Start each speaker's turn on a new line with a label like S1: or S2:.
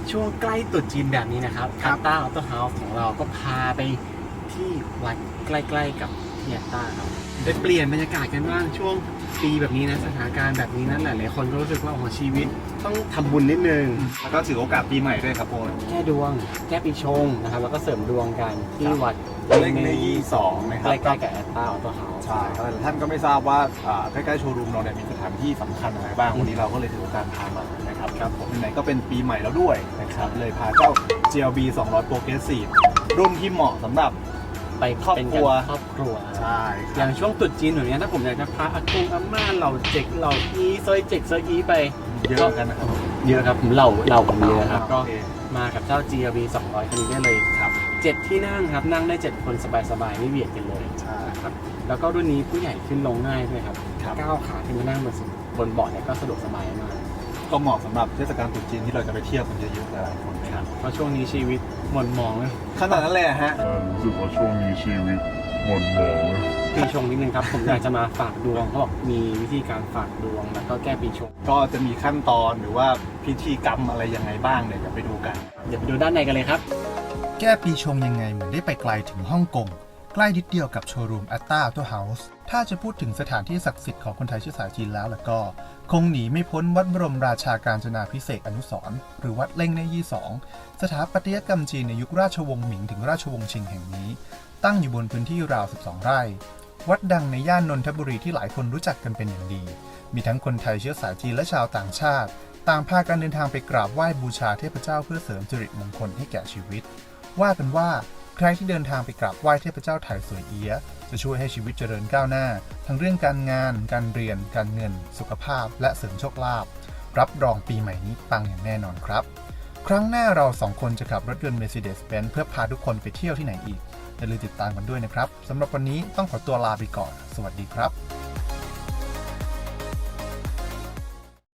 S1: ช่วงใกล้ตรุษจีนแบบนี้นะครับอัตตาออโต้เฮาส์ของเราก็พาไปที่วัดใกล้ๆกับที่อัตตาครับได้เปลี่ยนบรรยากาศกันบ้างช่วงปีแบบนี้นะสถานการณ์แบบนี้นั้นหลายๆคนก็รู้สึกว่าโอ้ชีวิตต้องทำบุญนิดนึง
S2: แล้วก็ถือโอกาสปีใหม่ด้วยครับโอน
S1: แก้ดวงแก้ปีชงนะครับแล้วก็เสริมดวงกันที่วัด
S2: เลขใน22นะครับ
S1: ใกล้ๆกับอัตตาออโต้เฮาส์
S2: ใช่ครับท่านก็ไม่ทราบว่าใกล้ๆโชว์รูมเราเนี่ยมีสถานที่สำคัญอะไรบ้างวันนี้เราก็เลยถือโอกาสพามานะครับครับผมไหนๆก็เป็นปีใหม่แล้วด้วยนะครับเลยพาเจ้า GLB 200 Progressive รุ่นที่เหมาะสำหรับ
S1: ไป
S2: ครอบครัว
S1: ครอบครัว
S2: ใช่
S1: อย่างช่วงตรุษจีนแบบนี้ถ้าผมอยากจะพาอากงอาม่าเหล่าเจ็กเหล่าอีซอยเจ็กซอยอีไป
S2: เยอะกันนะครับ
S1: เยอะครับผมเหล่าผมเยอะครับก็
S2: โอเค
S1: มากับเจ้า GLB 200คันนี้ได้เลย
S2: ครับ
S1: 7 ที่นั่งครับนั่งได้ 7 คนสบายๆไม่เบียดกันเลย
S2: ใช่
S1: ครับแล้วก็รุ่นนี้ผู้ใหญ่ขึ้นลงง่ายด้วยครับ
S2: ครับ
S1: ก้าวขาขึ้นมานั่งบนเบาะเนี่ยก็สะดวกสบายมาก
S2: ก็เหมาะสำหรับเทศกาลตรุษจีนที่เราจะไปเที่ยวกันเยอะๆหลายๆคนนะครับ
S1: เพราะช่วงนี้ชีวิตหม่นหมองเลย
S2: ขนาดนั้นเลยฮะ
S3: รู้สึกว่าช่วงนี้ชีวิตหม่นหมองเลย
S1: ปีชงนิดนึงครับผมอยากจะมาฝากดวงเขาบอกมีวิธีการฝากดวงแล้วก็แก้ปีชง
S2: ก็จะมีขั้นตอนหรือว่าพิธีกรรมอะไรยังไงบ้างเนี่ยเดี๋ยวไปดูกัน
S1: เดี๋ยวไปดูด้านในกันเลยครับ
S4: แก้ปีชงยังไงเหมือนได้ไปไกลถึงฮ่องกงใกล้นิดเดียวกับโชว์รูมอัตตาออโต้เฮาส์ถ้าจะพูดถึงสถานที่ศักดิ์สิทธิ์ของคนไทยเชื้อสายจีนแล้วก็คงหนีไม่พ้นวัดบรมราชาการจนาภิเษกอนุสรณ์หรือวัดเล่งเน่ยี่สองสถาปัตยกรรมจีนในยุคราชวงศ์หมิงถึงราชวงศ์ชิงแห่งนี้ ตั้งอยู่บนพื้นที่ราว 12 ไร่ วัดดังในย่านนนทบุรีที่หลายคนรู้จักกันเป็นอย่างดี มีทั้งคนไทยเชื้อสายจีนและชาวต่างชาติต่างพากันเดินทางไปกราบไหว้บูชาเทพเจ้าเพื่อเสริมสิริมงคลให้แก่ชีวิต ว่ากันว่าใครที่เดินทางไปกราบไหว้เทพเจ้าไถสวยเอี้ยะจะช่วยให้ชีวิตเจริญก้าวหน้า ทั้งเรื่องการงาน การเรียน การเงิน สุขภาพ และเสริมโชคลาภรับรองปีใหม่นี้ปังอย่างแน่นอนครับ ครั้งหน้าเราสองคนจะขับรถยนต์ Mercedes-Benz เพื่อพาทุกคนไปเที่ยวที่ไหนอีกอย่าลืมติดตามกันด้วยนะครับสำหรับวันนี้ต้องขอตัวลาไปก่อนสวัสดีครับ